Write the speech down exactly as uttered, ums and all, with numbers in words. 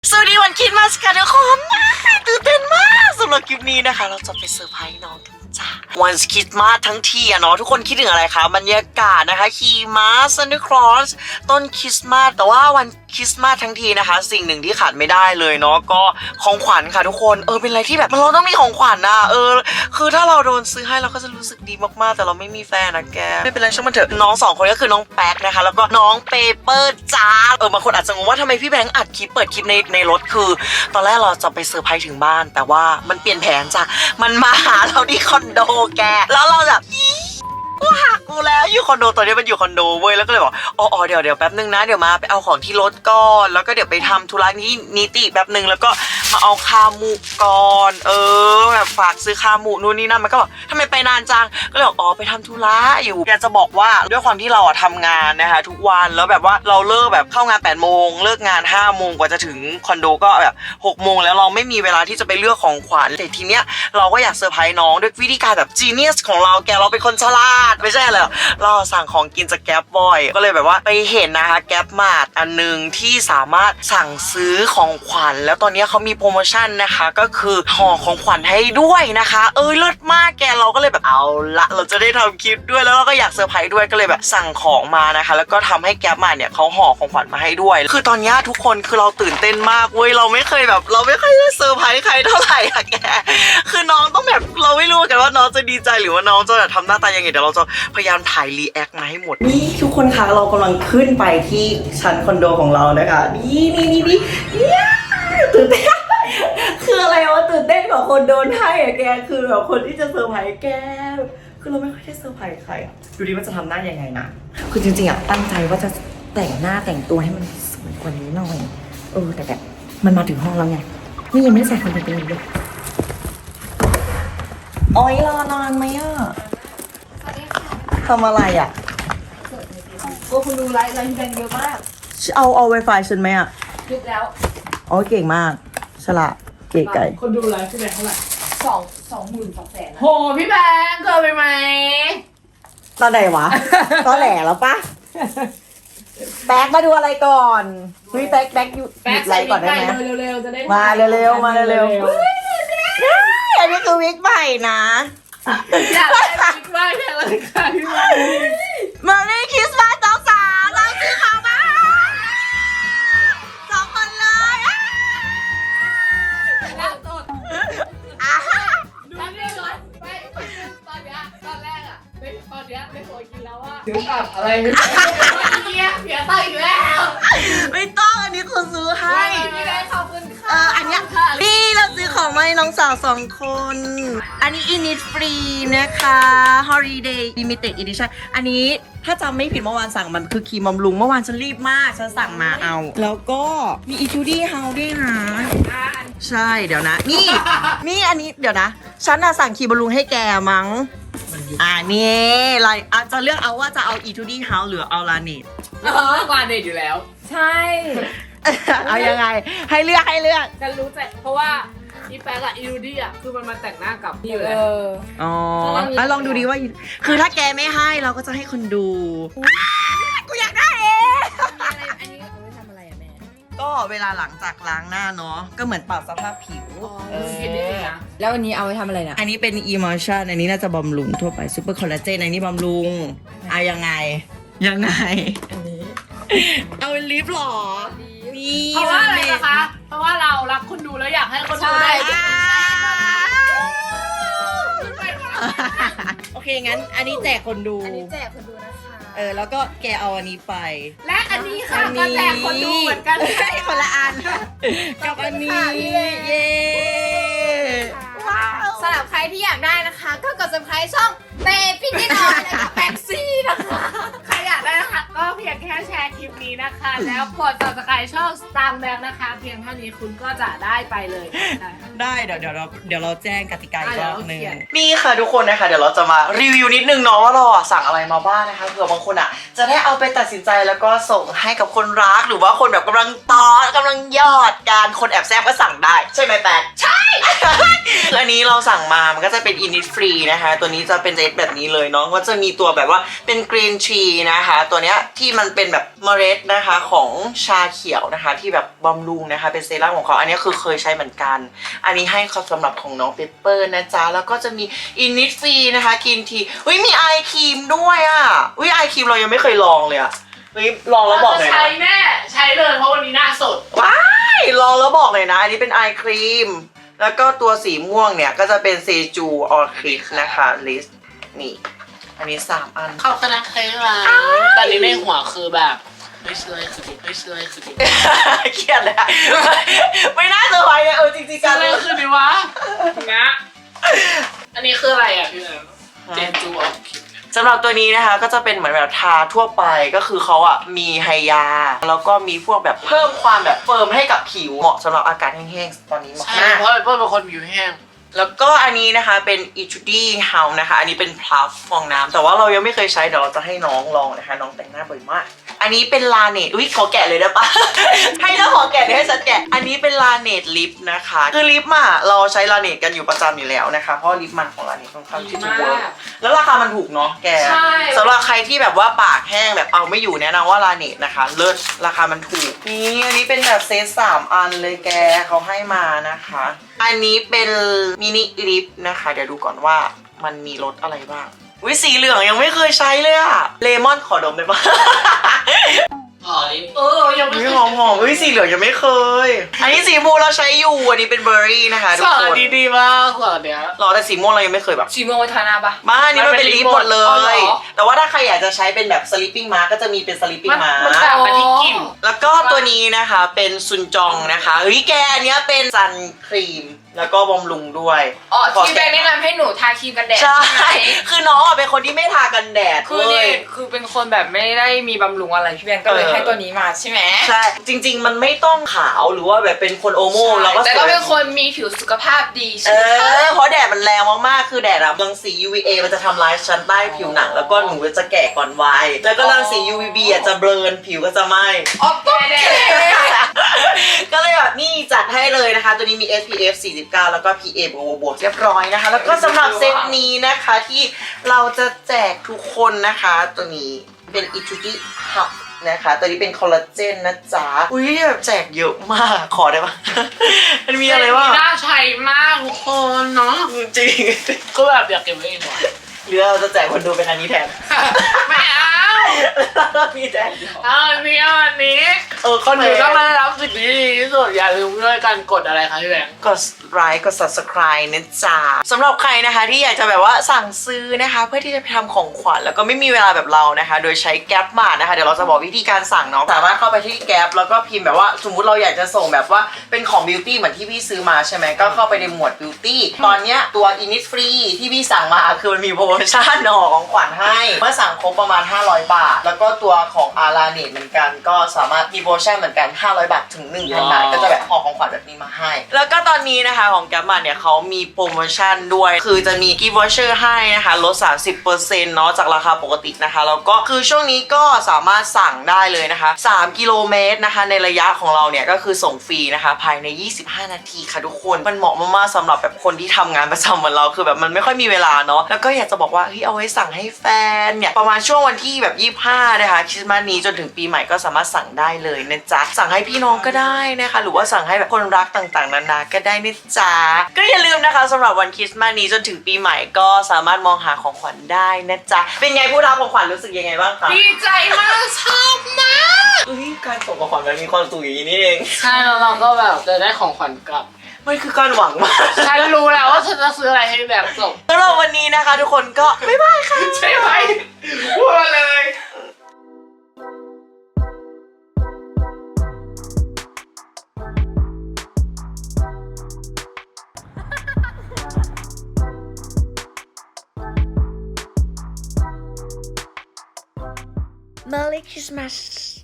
สวัสดีวันคริสต์มาสค่ะทุกคนตื่นเต้นมากสำหรับคลิปนี้นะคะเราจะไปเซอร์ไพรส์น้องกันจ้าวันคริสต์มาสทั้งทีอะเนาะทุกคนคิดถึงอะไรคะบรรยากาศนะคะขี่ม้าซันตาคลอสต้นคริสต์มาสแต่ว่าวันคริสต์มาสทั้งทีนะคะสิ่งหนึ่งที่ขาดไม่ได้เลยเนาะก็ของขวัญค่ะทุกคนเออเป็นอะไรที่แบบเราต้องมีของขวัญนะเออคือถ้าเราโดนซื้อให้เราก็จะรู้สึกดีมากๆแต่เราไม่มีแฟนนะแกไม่เป็นไรช่างมันเถอะน้องสองคนก็คือน้องแป๊กนะคะแล้วก็น้องเปเปอร์จ้าเออบางคนอาจจะงงว่าทำไมพี่แบงค์อัดคลิปเปิดคลิปในในรถคือตอนแรกเราจะไปเซอร์ไพรส์ถึงบ้านแต่ว่ามันเปลี่ยนแผนจ้ะมันมาหาเราที่คอนโดแกแล้วเราแบบกูหักกูแล้วอยู่คอนโดตอนนี้มันอยู่คอนโดเว้ยแล้วก็เลยบอกอ๋อเดี๋ยวเดี๋ยวแป๊บนึงนะเดี๋ยวมาไปเอาของที่รถก่อนแล้วก็เดี๋ยวไปทำธุระนี้นิติแป๊บนึงแล้วก็มาเอาคาหมูก่อนเออแบบฝากซื้อคาหมูนู่นนี่นั่นมันก็บอกทำไมไปนานจังก็เลยบอกอ๋อไปทำธุระอยู่อยากจะบอกว่าด้วยความที่เราอะทำงานนะคะทุกวันแล้วแบบว่าเราเลิกแบบเข้างานแปดโมงเลิกงานห้าโมงกว่าจะถึงคอนโดก็แบบหกโมงแล้วเราไม่มีเวลาที่จะไปเลือกของขวัญแต่ทีเนี้ยเราก็อยากเซอร์ไพรส์น้องด้วยวิธีการแบบจีเนียสของเราแกเราเป็นคนฉลาดไม่ใช่เลยเราสั่งของกินจากแก๊ปบ่อยก็เลยแบบว่าไปเห็นนะคะแก๊ปมาร์ทอันนึงที่สามารถสั่งซื้อของขวัญแล้วตอนนี้เขามีโปรโมชั่นนะคะก็คือห่อของขวัญให้ด้วยนะคะเออเลิศมากแกเราก็เลยแบบเอาละเราจะได้ทำคลิปด้วยแล้วเราก็อยากเซอร์ไพรส์ด้วยก็เลยแบบสั่งของมานะคะแล้วก็ทำให้แก๊ปมาร์ทเนี่ยเขาห่อของขวัญมาให้ด้วยคือตอนนี้ทุกคนคือเราตื่นเต้นมากเว้ยเราไม่เคยแบบเราไม่เคยได้เซอร์ไพรส์ใครเท่าไหร่อะแกคือน้องต้องแบบเราไม่รู้กันว่าน้องจะดีใจหรือว่าน้องจะทำหน้าตายังไงเดี๋ยวเราจะพยายามถ่ายรีแอคมาให้หมดนี่ทุกคนคะเรากำลังขึ้นไปที่ชั้นคอนโดของเรานะคะนี่นี่นี่นี่ตื่นเต้นคืออะไรวะตื่นเต้นกว่าคนโดนให้อะแกคือแบบคนที่จะเซอร์ไพรส์แกคือเราไม่ค่อยได้เซอร์ไพรส์ใครอะดูดิว่าจะทำหน้ายังไงนะคือจริงๆอะตั้งใจว่าจะแต่งหน้าแต่งตัวให้มันสวยกว่านี้หน่อยเออแต่แบบมันมาถึงห้องแล้วไงนี่ยังไม่ได้ใส่คอนแทคเลนส์เลยโอ๊ยรอนานไหมอะทำอะไรอะก็คุณดูไลฟ์ไลฟ์แดงเยอะมากเอาเอาไวไฟฉันไหมอะคิดแล้วอ๋อเก่งมากฉลาดเก๋ไก่คนดูไลฟ์พี่แบงค์เท่าไหร่สองสองหมื่นสองแสนโหพี่แบงค์เกินไปไหมตอนไหนวะ ตอนแหล่แล้วปะแบ็กมาดูอะไรก่อนเฮ้ยแบ็กแบ็กอยู่หยุดไลฟ์ก่อนได้ไหมเร็วๆจะได้มาเร็วๆมาเร็วๆอันนี้คือวิกใหม่นะอยากได้วิกมากเลยค่ะพี่แบงค์มาเล่นคริสต์มาสสองสาวเราซื้อของมาสองคนเลยล่าสุดดูนี่ก่อนไปตอนเนี้ยตอนแรกอ่ะไม่ตอนเนี้ยไม่โวยกินแล้วว่าถึงกับอะไรเฮียเสียตังค์อีกแล้วไม่ต้องอันนี้คือซื้อให้ไม่ได้ขอบคุณค่ะเอออันเนี้ยนี่เราซื้อของมาให้น้องสาวสองคนอันนี้อินิตฟรีนะคะ Holiday Limited Edition อันนี้ถ้าจำไม่ผิดเมื่อวานสั่งมันคือครีมบำรุงเมื่อวานฉันรีบมากฉันสั่งมาเอาแล้วก็มีอีทูดี้เฮาด้วยนะใช่เดี๋ยวนะนี่นี่อันนี้เดี๋ยวนะฉันน่ะสั่งครีมบำรุงให้แกมั้งอ่านี่อะไรอาจจะเลือกเอาว่าจะเอาอีทูดี้เฮาหรือเอาลาเนตเออกว่าเด็ดอยู่แล้วใช่เอายังไงให้เลือกให้เลือกฉันรู้ใจเพราะว่าอีแป๊กอะอีรูดี้อะคือมันมาแต่งหน้ากับพี่อยู่แล้วอ๋อแล้วลองดูดีว่าคือถ้าแกไม่ให้เราก็จะให้คนดูกูอยากได้เองอันนี้เอาไว้ทำอะไรอะแม่ก็เวลาหลังจากล้างหน้าเนาะก็เหมือนปรับสภาพผิวแล้วอันนี้เอาไว้ทำอะไรนะอันนี้เป็น emulsion อันนี้น่าจะบำรุงทั่วไป super collagen อันนี้บำรุงเอายังไงยังไงอันนี้เอาลิปหรอเพราะว่าอะไรนะคะเพราะว่าเรารักคนดูแล้วอยากให้คนดูได้โอเคงั้นอันนี้แจกคนดูอันนี้แจกคนดูนะคะเออแล้วก็แกเอาอันนี้ไปและอันนี้ค่ะก็แจกคนดูเหมือนกันคนละอันกับอันนี้เย้สำหรับใครที่อยากได้นะคะก็กด subscribe ช่องเตพี่นิดหน่อยและก็แบ็กซี่นะคะใครอยากได้นะคะก็เพียงแค่แชร์คลิปนี้นะคะแล้วกด subscribe ช่อง Star Bank นะคะเพียงเท่านี้คุณก็จะได้ไปเลยได้เดี๋ยวเดี๋ยวเราเดี๋ยวเราแจ้งกติกาอีกรอบนึงนี่ค่ะทุกคนนะคะเดี๋ยวเราจะมารีวิวนิดนึงเนาะว่าเราสั่งอะไรมาบ้างนะคะเผื่อบางคนอ่ะจะได้เอาไปตัดสินใจแล้วก็ส่งให้กับคนรักหรือว่าคนแบบกำลังตอนกำลังยอดการคนแอบแซบก็สั่งได้ใช่ไหมแป๊กใช่อันนี้เราสั่งมามันก็จะเป็นอินิฟรีนะคะตัวนี้จะเป็นเซตแบบนี้เลยเนาะก็จะมีตัวแบบว่าเป็นกรีนทีนะคะตัวเนี้ยที่มันเป็นแบบเมล็ดนะคะของชาเขียวนะคะที่แบบบำรุงนะคะเป็นเซรั่มของเขาอันนี้คือเคยใช้เหมือนกันอันนี้ให้เขาสำหรับของน้องเปเปอร์นะจ๊ะแล้วก็จะมีอินิฟรีนะคะกรีนทีอุ้ยมีไอครีมด้วยอ่ะอุ้ยไอครีมเรายังไม่เคยลองเลยอ่ะเฮ้ยลองแล้วบอกหน่อยใช้นะแน่ใช้เลยเพราะวันนี้หน้าสดว้ายลองแล้วบอกหน่อยนะอันนี้เป็นไอครีมแล้วก็ตัวสีม่วงเนี่ยก็จะเป็นเซจูออคิดนะคะลิสนี่อันนี้สามอันเข้าคณะใครมาตอนนี้ในหัวคือแบบไม่เชื่อคือดิไม่เชื่อคือดิเครียดเลยอะไม่น่าเซอร์ไพรส์เลยเออจริงๆกักัน นเลยคือดิวะงะอันนี้คืออะไรอ่ะพี่แอมเจนจูออคิดสำหรับตัวนี้นะคะก็จะเป็นเหมือนแบบทาทั่วไปก็คือเขาอ่ะมีไฮยาแล้วก็มีพวกแบบเพิ่มความแบบเฟิร์มให้กับผิวเหมาะสำหรับอากาศแห้งๆตอนนี้เหมาะใช่มากเพราะเพื่อนเป็นคนผิวแห้งแล้วก็อันนี้นะคะเป็น e t u d y House นะคะอันนี้เป็นพลัฟฟองน้ำแต่ว่าเรายังไม่เคยใช้เดี๋ยวเราจะให้น้องลองนะคะน้องแต่งหน้าบ่อยมากอันนี้เป็นลาเนตอุ้ยขอแกะเลยได้ปะ ให้แล้วขอแกะเดี๋ยวให้ฉันแกะอันนี้เป็นลาเนตลิปนะคะคือลิปอ่ะเราใช้ลาเนตกันอยู่ประจำอยู่แล้วนะคะเพราะลิปมันของลาเนตค่อนข้างที่จะเวิร์กแล้วราคามันถูกเนาะแกใช่สำหรับใครที่แบบว่าปากแห้งแบบเอาไม่อยู่แนะนำว่าลาเนตนะคะเลิศราคามันถูกนี่อันนี้เป็นแบบเซตสามอันเลยแกเขาให้มานะคะอันนี้เป็นมินิลิปนะคะเดี๋ยวดูก่อนว่ามันมีรสอะไรบ้างวิสีเหลืองยังไม่เคยใช้เลยอะเลมอนขอดมได้ปะหอมเออยังไม่วิหอมหอมวิสีเหลืองยังไม่เคย อันนี้สีม่วงเราใช้อยู่อันนี้เป็นเบอร์รี่นะคะทุสกอคนนดีๆมากสอนเนี้ยหรอแต่สีม่วงเรายังไม่เคยแบบสีม่วงไว้ทาหน้าปะบ้านนี่มันเป็นลิปหมดเลอ๋อเหรยอแต่ว่าถ้าใครอยากจะใช้เป็นแบบ sleeping mask ก็จะมีเป็น sleeping มัน mask มันต่างกันที่กลิ่นแล้วก็ตัวนี้นะคะเป็นซุนจองนะคะเฮ้ยแกอันเนี้ยเป็นซันครีมแล้วก็บำรุงด้วยอ๋อขอที่แบงค์แนะนำให้หนูทาครีมกันแดดใช่ไหมคือน้องอ่ะเป็นคนที่ไม่ทากันแดดคือเลนี่ยคือเป็นคนแบบไม่ได้มีบำรุงอะไรพี่แบงค์ก็เลยเออให้ตัวนี้มาใช่ไหมใช่จริง ๆ มันไม่ต้องขาวหรือว่าแบบเป็นคนโอโม่เราก็แต่สก็วยเป็นคนมีผิวสุขภาพดีเอใช่ไหมคะอเพราะแดดมันแรงมากๆ คือแดดอะรังสี ยู วี เอ มันจะทำลายชั้นใต้ผิวหนัง แล้วก็หนูจะแก่ก่อนวัย แล้วก็รังสี ยู วี บี อะจะเบลอนผิวก็จะไหม้อ๋อต้องแดดก็เลยแบบนี่จัดให้เลยนะคะ ตัวนี้มี เอส พี เอฟ สี่สิบเก้า แล้วก็ พี เอ บวกบวกเรียบร้อยนะคะ แล้วก็สำหรับเซตนี้นะคะที่เราจะแจกทุกคนนะคะ ตัวนี้เป็น e t u d y Hub นะคะ ตัวนี้เป็นคอลลาเจนนะจ๊ะ อุ้ยแบบแจกเยอะมาก ขอได้ปะ มันมีอะไรบ้างน่าใช้มากทุกคนเนาะจริงก็แบบอยากเก็บไว้เองว่ะหรือเราจะแจกคนดูเป็นอันนี้แทนไม่เอาแล้วมีแจกเอาอันนี้เอาอันนี้เออคนอยู่ต้องได้รับสิ่งที่ดีที่สุดอย่าลืมด้วยการกดอะไรคะพี่แบงค์กดไลค์กด subscribe นะจ๊ะสำหรับใครนะคะที่อยากจะแบบว่าสั่งซื้อนะคะ เพื่อที่จะไปทำของขวัญแล้วก็ไม่มีเวลาแบบเรานะคะ โดยใช้แก๊ปมานะคะ เดี๋ยวเราจะบอกวิธีการสั่งเนาะสามารถเข้าไปที่แก๊ปแล้วก็พิมพ์แบบว่าสมมุติเราอยากจะส่งแบบว่าเป็นของบิวตี้เหมือนที่พี่ซื้อมาใช่ไหมก็เข้าไปในหมวดบิวตี้ตอนเนี้ยตัว Innisfree ที่พี่สั่งมาคือมันมีโปรโมชั่นหน่อของขวัญให้เมื่อสั่งครบประมาณห้าร้อยบาท แล้วก็ตัวของอาราเนตเหมือนกันก็สามารถมีโปรโมชั่นเหมือนกันห้าร้อยบาทถึงหนึ่งพันบาทก็จะแบบห่อของขวัญแบบนี้มาให้ แล้วก็ตอนนี้นะคะของแกมมาเนี่ยเขามีโปรโมชั่นด้วย คือจะมีกิฟต์วอเชอร์ให้นะคะลด สามสิบเปอร์เซ็นต์ เนาะจากราคาปกตินะคะแล้วก็คือช่วงนี้ก็สามารถสั่งได้เลยนะคะสามกิโลเมตรนะคะในระยะของเราเนี่ยก็คือส่งฟรีนะคะภายในยี่สิบห้านาทีค่ะทุกคนมันเหมาะมากๆสำหรับแบบคนที่ทำงานประจำเหมือนเราคือแบบมันไม่ค่อยมีเวลาเนาะแล้วก็อยากจะบอกว่าเฮ้ยเอาไว้สั่งให้แฟนเนี่ยประมาณช่วงวันที่แบบยี่สิบห้านะคะคริสต์มาสนี้จนถึงปีใหม่ก็สามารถสั่งได้เลยนะจ๊ะสั่งให้พี่น้องก็ได้นะคะหรือว่าสั่งให้แบบคนรักต่างๆนานาก็ได้นะจ๊ะก็อย่าลืมนะคะสำหรับวันคริสต์มาสนี้จนถึงปีใหม่ก็สามารถมองหาของขวัญได้นะจ๊ะเป็นไงผู้รับของขวัญรู้สึกยังไงบ้างคะดีใจมากชอบมากเอ้ยการส่งของขวัญมันมีความสุขอย่างนี้นี่เองใช่แล้วเราก็แบบจะได้ของขวัญกลับมันคือการหวังมากฉันรู้แล้วว่าฉันจะซื้ออะไรให้แบบจบสำหรับวันนี้นะคะทุกคนก็บ๊ายบายค่ะใช่ไหมพูดมาเลย Merry Christmas